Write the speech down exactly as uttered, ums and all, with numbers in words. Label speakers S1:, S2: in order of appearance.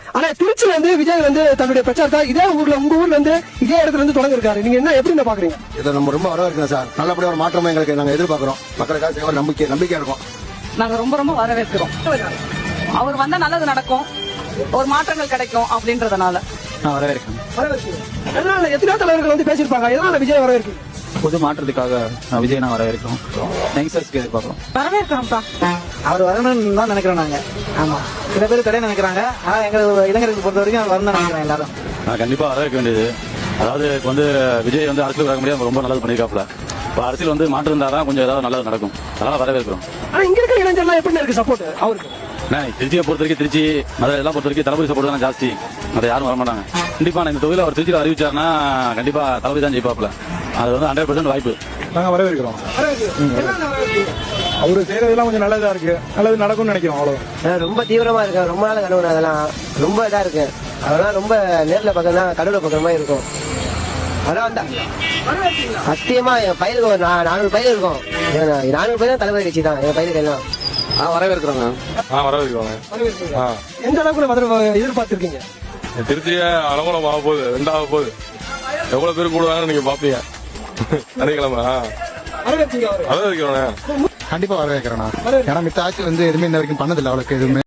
S1: ஆனா திருச்சியில இருந்து விஜய் வந்து தன்னுடைய பிரச்சாரத்தை இதே ஊர்ல உங்க ஊர்ல இருந்து இதே இடத்துல இருந்து தொடங்க இருக்காரு. நீங்க என்ன எப்படி பாக்குறீங்க?
S2: இதை நம்ம ரொம்ப வரவேற்கிறோம் சார். நல்லபடியா ஒரு மாற்றமா எங்களுக்கு நாங்க எதிர்பார்க்கிறோம். மக்களுக்காக செய்ய நம்பிக்கை நம்பிக்கையா இருக்கும்.
S3: நாங்க ரொம்ப ரொம்ப வரவேற்கிறோம். அவர் வந்தா நல்லது நடக்கும், ஒரு மாற்றங்கள் கிடைக்கும் அப்படின்றதுனால
S4: நான் வரவேற்கிறேன்.
S1: எதனால எத்தனையோ தலைவர்கள் வந்து பேசியிருப்பாங்க, எதனால விஜய் வரவேற்கு?
S4: புது மாற்றத்துக்காக விஜய் நான் வரவேற்கிறோம். யங்ஸ்டர்ஸ்க்கு எதிர்பார்க்கிறோம்.
S3: வரவேற்கிறோம்ப்பா.
S5: அவர் வரணும்னு தான் நினைக்கிறோம் நாங்க. ஆமா, சில பேர் தடை நினைக்கிறாங்க. ஆனா எங்க இளைஞர்களுக்கு பொறுத்த வரைக்கும் அவர் வரணும் நினைக்கிறேன் எல்லாரும்.
S6: நான் கண்டிப்பா வரவேற்க வேண்டியது. அதாவது இப்ப வந்து விஜய் வந்து அரசியல் வர முடியாது, ரொம்ப நல்லது பண்ணிருக்காப்ல. இப்ப அரசியல் வந்து மாற்றம் இருந்தாதான் கொஞ்சம் ஏதாவது நல்லது நடக்கும். அதனால வரவேற்கிறோம்.
S1: ஆனா இங்க இருக்கிற இளைஞர்லாம் எப்படி இருக்கு சப்போர்ட் அவருக்கு?
S6: திருச்சியை பொறுத்த வரைக்கும் திருச்சி மதுரை எல்லாம் பொறுத்த வரைக்கும் தளபதி சப்போர்ட் தான் ஜாஸ்தி. அதை யாரும் வர மாட்டாங்க. கண்டிப்பா இந்த தொகுதியில் அவர் திருச்சியில் அறிவிச்சாருன்னா கண்டிப்பா தளபதி தான் ஜெயிப்பாப்ல. அது வந்து ஹண்ட்ரட் பர்சன்ட் வாய்ப்பு.
S7: நாங்க வரவேற்கிறோம். அவரு செய்யறதெல்லாம் கொஞ்சம் நல்லதா இருக்கு, நல்லது நடக்கும்னு நினைக்கிறோம். அவ்வளவு
S5: ரொம்ப தீவிரமா இருக்கு. ரொம்ப நாள் கனவு அதெல்லாம் ரொம்ப இதா இருக்கு. அதெல்லாம் ரொம்ப நேர்ல பக்கம் தான் கடவுளை பக்கம் மாதிரி இருக்கும். அதெல்லாம் வந்தா சத்தியமா என் பயிருக்கு ஒரு நானூறு பயிர் இருக்கும். நானூறு பயிர் தான் தலைவர் கட்சி தான் என் பயிருக்கு எல்லாம்.
S2: வரவேற்கிறோங்க.
S7: வரவேற்கிறோங்க.
S1: எந்த அளவுக்கு மதுரை எதிர்பார்த்திருக்கீங்க?
S7: திருச்சிய அலங்கோலம் ஆக போகுது, ரெண்டாக போகுது. எவ்வளவு பேர் கூடுவாங்கன்னு நீங்க பாப்பீங்க. சனிக்கிழமை வரவேற்கிறோம்.
S2: கண்டிப்பா வரவேற்கிறேன். ஏன்னா மித்த ஆட்சி வந்து எதுவுமே இன்ன வரைக்கும் பண்ணதில்லை அவளுக்கு எதுவுமே.